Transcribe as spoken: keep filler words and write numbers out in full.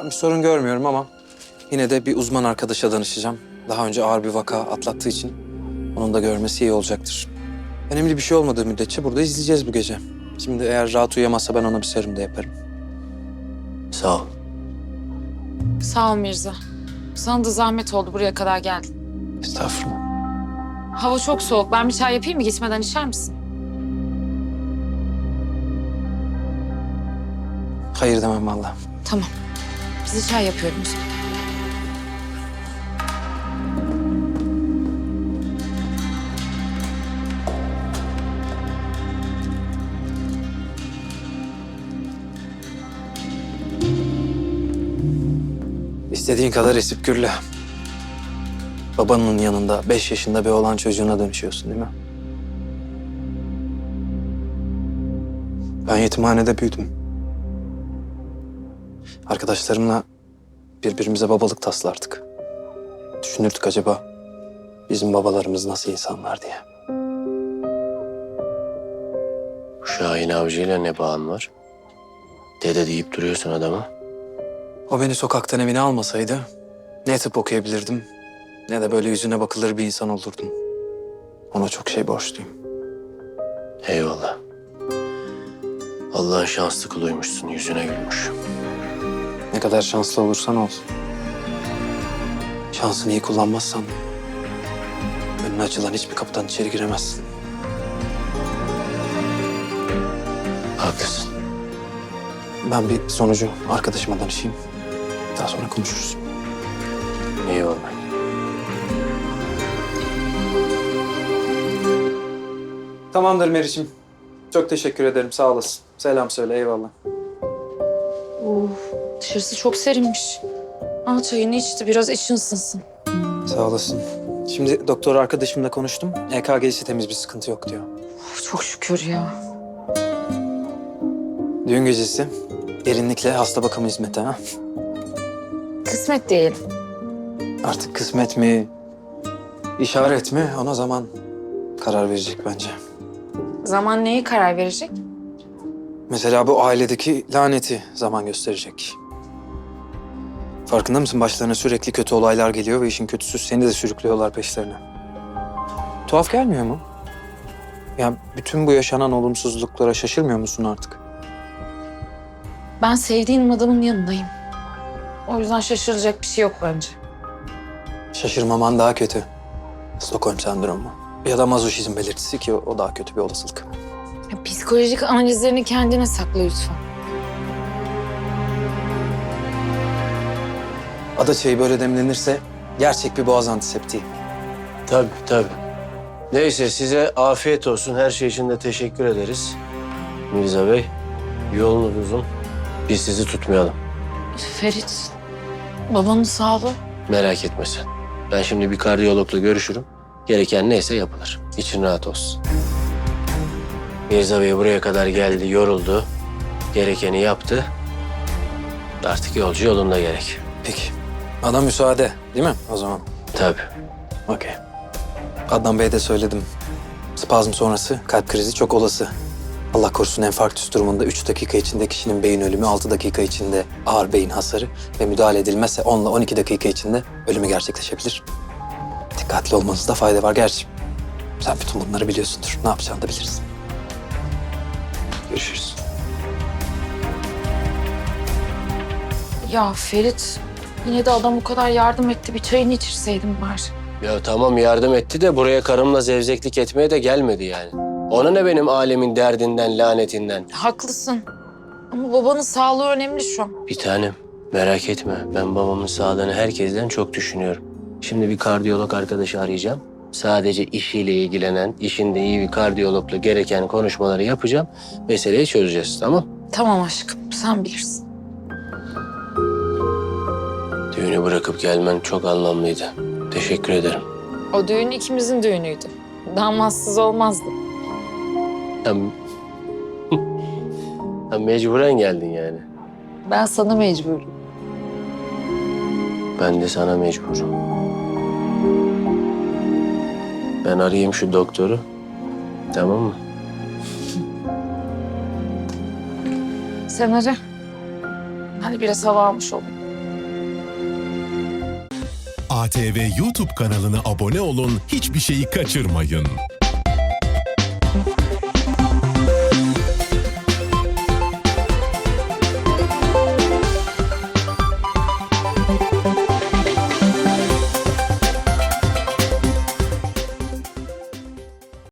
sorun görmüyorum ama yine de bir uzman arkadaşa danışacağım. Daha önce ağır bir vaka atlattığı için onun da görmesi iyi olacaktır. Önemli bir şey olmadığı müddetçe burada izleyeceğiz bu gece. Şimdi eğer rahat uyuyamazsa ben ona bir serum da yaparım. Sağ ol. Sağ ol Mirza. Sana da zahmet oldu, buraya kadar geldin. Estağfurullah. Hava çok soğuk. Ben bir çay yapayım mı? Gitmeden içer misin? Hayır demem vallahi. Tamam. Bize çay yapıyorum o zaman. İstediğin kadar esip gürle. Babanın yanında beş yaşında bir oğlan çocuğuna dönüşüyorsun değil mi? Ben yetimhanede büyüdüm. Arkadaşlarımla birbirimize babalık taslardık. Düşünürdük acaba bizim babalarımız nasıl insanlar diye. Bu Şahin Avcı'yla ne bağın var? Dede deyip duruyorsun adama. O beni sokaktan evine almasaydı ne tıp okuyabilirdim ne de böyle yüzüne bakılır bir insan olurdum. Ona çok şey borçluyum. Eyvallah. Allah'ın şanslı kuluymuşsun, yüzüne gülmüş. Ne kadar şanslı olursan ol. Şansını iyi kullanmazsan önüne açılan hiçbir kapıdan içeri giremezsin. Haklısın. Ben bir sonucu arkadaşıma danışayım. Daha sonra konuşuruz. Eyvallah. Tamamdır Meriç'im. Çok teşekkür ederim. Sağ olasın. Selam söyle. Eyvallah. Uf, dışarısı çok serinmiş. Al çayını içti, biraz için ısınsın. Sağ olasın. Şimdi doktor arkadaşımla konuştum. E K G'si temiz, bir sıkıntı yok diyor. Of, çok şükür ya. Düğün gecesi derinlikle hasta bakımı hizmeti ha. Kısmet diyelim. Artık kısmet mi, işaret mi ona zaman karar verecek bence. Zaman neyi karar verecek? Mesela bu ailedeki laneti zaman gösterecek. Farkında mısın? Başlarına sürekli kötü olaylar geliyor ve işin kötüsü seni de sürüklüyorlar peşlerine. Tuhaf gelmiyor mu? Ya bütün bu yaşanan olumsuzluklara şaşırmıyor musun artık? Ben sevdiğim adamın yanındayım. O yüzden şaşıracak bir şey yok bence. Şaşırmaman daha kötü. Stockholm sendromu. Ya da mazoşizm belirtisi ki o daha kötü bir olasılık. Ya, psikolojik analizlerini kendine sakla lütfen. Ada çayı böyle demlenirse gerçek bir boğaz antiseptiği. Tabii tabii. Neyse size afiyet olsun. Her şey için de teşekkür ederiz. Mirza Bey, yolunuz uzun. Biz sizi tutmayalım. Ferit, babanın sağlığı. Merak etme sen. Ben şimdi bir kardiyologla görüşürüm. Gereken neyse yapılır. İçin rahat olsun. Mirza Bey buraya kadar geldi, yoruldu. Gerekeni yaptı. Artık yolcu yolunda gerek. Peki. Bana müsaade değil mi o zaman? Tabii. Okey. Adnan Bey'e de söyledim. Spazm sonrası kalp krizi çok olası. Allah korusun enfarktüs durumunda üç dakika içinde kişinin beyin ölümü, altı dakika içinde ağır beyin hasarı ve müdahale edilmezse on ile on iki dakika içinde ölümü gerçekleşebilir. Dikkatli olmanızda fayda var gerçi. Sen bütün bunları biliyorsundur. Ne yapacağını da bilirsin. Görüşürüz. Ya Ferit, yine de adam o kadar yardım etti. Bir çayını içirseydim bari. Ya tamam yardım etti de buraya karımla zevzeklik etmeye de gelmedi yani. Ona ne benim alemin derdinden, lanetinden? Haklısın. Ama babanın sağlığı önemli şu an. Bir tanem, merak etme. Ben babamın sağlığını herkesten çok düşünüyorum. Şimdi bir kardiyolog arkadaşı arayacağım. Sadece işiyle ilgilenen, işinde iyi bir kardiyologla gereken konuşmaları yapacağım. Meseleyi çözeceğiz, tamam? Tamam aşkım, sen bilirsin. Düğünü bırakıp gelmen çok anlamlıydı. Teşekkür ederim. O düğün ikimizin düğünüydü. Damatsız olmazdı. Ya, ya mecburen geldin yani. Ben sana mecburum. Ben de sana mecburum. Ben arayayım şu doktoru. Tamam mı? Sen ara. Hadi biraz hava almış olayım. A T V YouTube kanalına abone olun, hiçbir şeyi kaçırmayın.